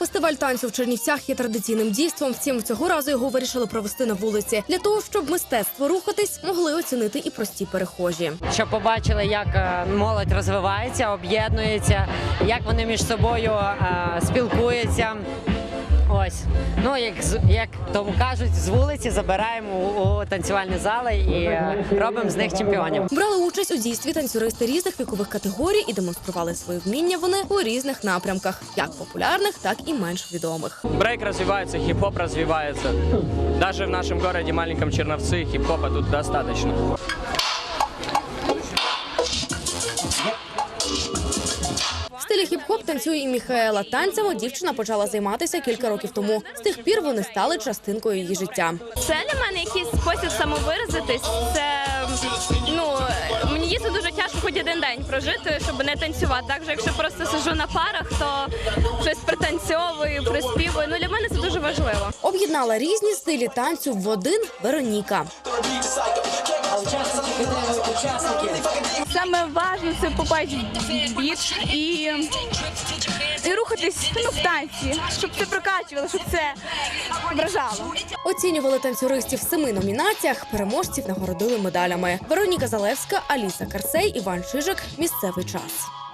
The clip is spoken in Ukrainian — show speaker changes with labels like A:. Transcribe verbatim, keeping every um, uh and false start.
A: Фестиваль танцю в Чернівцях є традиційним дійством, втім цього разу його вирішили провести на вулиці. Для того, щоб мистецтво рухатись, могли оцінити і прості перехожі.
B: Щоб побачили, як молодь розвивається, об'єднується, як вони між собою е, спілкуються. Ось, ну як як тому кажуть, з вулиці забираємо у, у танцювальні зали і е, робимо з них чемпіонів.
A: Брали участь у дійстві танцюристи різних вікових категорій і демонстрували свої вміння вони у різних напрямках, як популярних, так і менш відомих.
C: Брейк розвивається, хіп-хоп розвивається. Навіть в нашому місті маленькому Черновці хіп-хопа тут достатньо.
A: В стилі хіп-хоп танцює і Міхаела. Танцями дівчина почала займатися кілька років тому. З тих пір вони стали частинкою її життя.
D: Це для мене якийсь спосіб самовиразитись. Це, ну, мені дійсно дуже тяжко хоч один день прожити, щоб не танцювати. Так же, якщо просто сиджу на парах, то щось пританцьовую, приспівую. Ну, для мене це дуже важливо.
A: Об'єднала різні стилі танцю в один Вероніка.
D: Саме важливо – це попасть в біт і, і рухатись, ну, в танці, щоб це прокачувало, щоб це вражало.
A: Оцінювали танцюристів в семи номінаціях, переможців нагородили медалями. Вероніка Залевська, Аліса Карсей, Іван Чижик. Місцевий час.